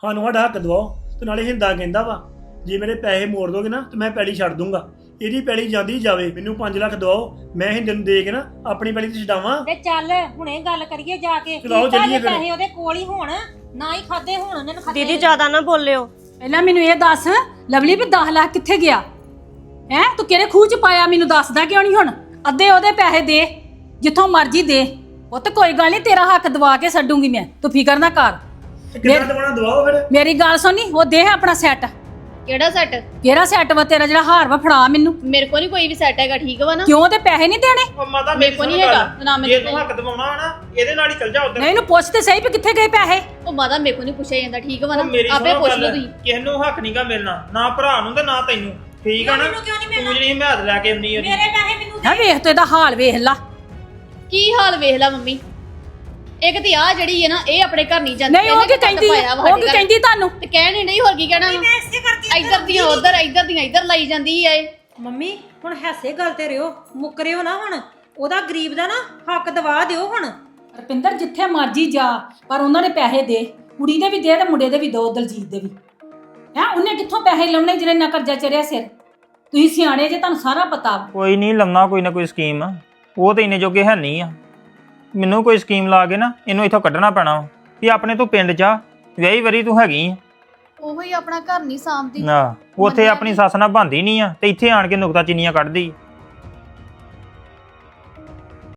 ਸਾਨੂੰ ਸਾਡਾ ਹੱਕ ਦਵਾਓ। ਤੇ ਨਾਲੇ ਹਿੰਦਾ ਕਹਿੰਦਾ ਵਾ ਜੇ ਮੇਰੇ ਪੈਸੇ ਮੋੜ ਦੋਗੇ ਨਾ ਤੇ ਮੈਂ ਪੈਲੀ ਛੱਡ ਦੂੰਗਾ। ਇਹਦੀ ਪੈਲੀ ਜਾਂਦੀ ਜਾਵੇ, ਮੈਨੂੰ 5 ਲੱਖ ਦਵਾਓ, ਮੈਂ ਹਿੰਦੇ ਨੂੰ ਦੇ ਕੇ ਨਾ ਆਪਣੀ ਪੈਲੀ ਤੇ ਛਡਾਵਾਂ। ਤੇ ਚੱਲ ਹੁਣੇ ਗੱਲ ਕਰੀਏ ਜਾ ਕੇ। ਚਲਾਓ ਚੱਲੀਏ ਫਿਰ। ਪੈਸੇ ਉਹਦੇ ਕੋਲ ਹੀ ਹੋਣ, ਨਾ ਹੀ ਖਾਦੇ ਹੋਣ ਉਹਨਾਂ ਨੇ ਖਾਦੇ। ਦੀਦੀ ਜ਼ਿਆਦਾ ਨਾ ਬੋਲਿਓ। ਪਹਿਲਾਂ ਮੈਨੂੰ ਇਹ ਦੱਸ ਲਵਲੀ ਵੀ 10 ਲੱਖ ਕਿੱਥੇ ਗਿਆ ਹੈ? ਤੂੰ ਕਿਹੜੇ ਖੂਹ ਚ ਪਾਇਆ ਮੈਨੂੰ ਦੱਸਦਾ ਕਿਉਂ ਨਹੀਂ? ਹੁਣ ਅੱਧੇ ਉਹਦੇ ਪੈਸੇ ਦੇ, ਜਿੱਥੋਂ ਮਰਜ਼ੀ ਦੇ। ਉਹ ਤੇ ਕੋਈ ਗੱਲ ਨਹੀਂ, ਤੇਰਾ ਹੱਕ ਦਵਾ ਕੇ ਛੱਡੂਗੀ ਮੈਂ, ਤੂੰ ਫਿਕਰ ਨਾ ਕਰ। ਕਿੰਨਾ ਦਵਾਣਾ ਦਵਾਓ ਫਿਰ। ਮੇਰੀ ਗੱਲ ਸੁਣੀ, ਉਹ ਦੇ ਆਪਣਾ ਸੈੱਟ। ਕਿਹੜਾ ਸੈੱਟ? ਕਿਹੜਾ ਸੈੱਟ ਵਾ ਤੇਰਾ? ਜਿਹੜਾ ਹਾਰ ਵਾ ਫੜਾ ਮੈਨੂੰ। ਮੇਰੇ ਕੋਲ ਨਹੀਂ ਕੋਈ ਵੀ ਸੈੱਟ ਹੈਗਾ, ਠੀਕ ਵਾ ਨਾ? ਕਿਉਂ ਤੇ ਪੈਸੇ ਨਹੀਂ ਦੇਣੇ? ਉਹ ਮਾਤਾ ਮੇਰੇ ਕੋਲ ਨਹੀਂ ਹੈਗਾ ਨਾ। ਜੇ ਤੂੰ ਹੱਕ ਦਵਾਉਣਾ ਨਾ ਇਹਦੇ ਨਾਲ ਹੀ ਚੱਲ ਜਾ ਉਧਰ। ਨਹੀਂ, ਇਹਨੂੰ ਪੁੱਛ ਤੇ ਸਹੀ ਵੀ ਕਿੱਥੇ ਗਏ ਪੈਸੇ। ਉਹ ਮਾਦਾ ਮੇਰੇ ਕੋਲ ਨਹੀਂ ਪੁੱਛਿਆ ਜਾਂਦਾ, ਠੀਕ ਵਾ ਨਾ? ਮੇਰੀ ਆਪੇ ਸੁਣੋ ਪੁੱਛ ਗੱਲ, ਲਓ ਤੁਸੀਂ। ਕਿਸੇ ਨੂੰ ਹੱਕ ਨਹੀਂਗਾ ਮਿਲਣਾ, ਨਾ ਭਰਾ ਨੂੰ ਤੇ ਨਾ ਤੈਨੂੰ, ਠੀਕ ਆ ਨਾ? ਮੈਨੂੰ ਕਿਉਂ ਨਹੀਂ ਮਿਲਣਾ? ਤੂੰ ਜਿਹੜੀ ਹਿਮਾਇਤ ਲੈ ਕੇ ਆਉਣੀ ਉਹਦੀ। ਮੇਰੇ ਪੈਸੇ ਮੈਨੂੰ ਹੈ ਵੇਖ ਤੂੰ ਇਹਦਾ ਹਾਲ ਵੇਖ ਲਾ। ਕੀ ਹਾਲ ਵੇਖ ਲਾ ਮੰਮੀ। ਇੱਕ ਤੇ ਆ ਜਿਹੜੀ ਹੈ ਨਾ, ਇਹ ਆਪਣੇ ਘਰ ਨਹੀਂ ਜਾਂਦੀ। ਨਹੀਂ ਉਹ ਕੀ ਕਹਿੰਦੀ? ਉਹ ਕੀ ਕਹਿੰਦੀ ਤੁਹਾਨੂੰ? ਤੇ ਕਹਿਣ ਹੀ ਨਹੀਂ, ਹੋਰ ਕੀ ਕਹਿਣਾ ਵਾ? ਮੈਂ ਇਸੇ ਕਰਕੇ ਇੱਧਰ ਦੀਆਂ ਉੱਧਰ, ਇੱਧਰ ਦੀਆਂ ਇੱਧਰ ਲਾਈ ਜਾਂਦੀ ਐ। ਮੰਮੀ ਹੁਣ ਹੈਸੇ ਗੱਲ ਤੇ ਰਿਓ, ਮੁੱਕਰਿਓ ਨਾ ਹੁਣ। ਉਹਦਾ ਗਰੀਬ ਦਾ ਨਾ ਹੱਕ ਦਵਾ ਦਿਓ ਹੁਣ। ਰਪਿੰਦਰ ਜਿੱਥੇ ਮਰਜੀ ਜਾ, ਪਰ ਉਹਨਾਂ ਦੇ ਪੈਸੇ ਦੇ। ਕੁੜੀ ਦੇ ਵੀ ਦੇ ਤੇ ਮੁੰਡੇ ਦੇ ਵੀ ਦੋ, ਦਲਜੀਤ ਦੇ ਵੀ। ਹੈ ਉਹਨੇ ਕਿੱਥੋਂ ਪੈਸੇ ਲਾਉਣੇ ਜਿਹੜੇ ਨਾ ਕਰਜ਼ਾ ਚੜਿਆ ਸਿਰ? ਤੁਸੀਂ ਸਿਆਣੇ ਜੇ, ਤੁਹਾਨੂੰ ਸਾਰਾ ਪਤਾ। ਕੋਈ ਨਹੀਂ ਲਾਉਣਾ ਕੋਈ ਨਾ ਕੋਈ ਸਕੀਮ। ਉਹ ਤੇ ਇੰਨੇ ਜੋਗੇ ਹੈ ਨਹੀਂ ਆ। ਮੈਨੂੰ ਕੋਈ ਸਕੀਮ ਲਾ ਕੇ ਨਾ ਇਹਨੂੰ ਇੱਥੋਂ ਕੱਢਣਾ ਪੈਣਾ ਵਾ ਵੀ ਆਪਣੇ ਤੋਂ ਪਿੰਡ ਜਾ। ਵਿਆਹੀ ਵਰੀ ਤੂੰ ਹੈਗੀ ਆ ਉਹੀ ਆਪਣਾ ਘਰ ਨਹੀਂ ਸਾਂਭਦੀ। ਨਾ ਉੱਥੇ ਆਪਣੀ ਸੱਸ ਨਾਲ ਬੰਦੀ ਨਹੀਂ ਆ ਤੇ ਇੱਥੇ ਆਣ ਕੇ ਨੁਕਤਾ ਚੀਨੀਆਂ ਕੱਢਦੀ।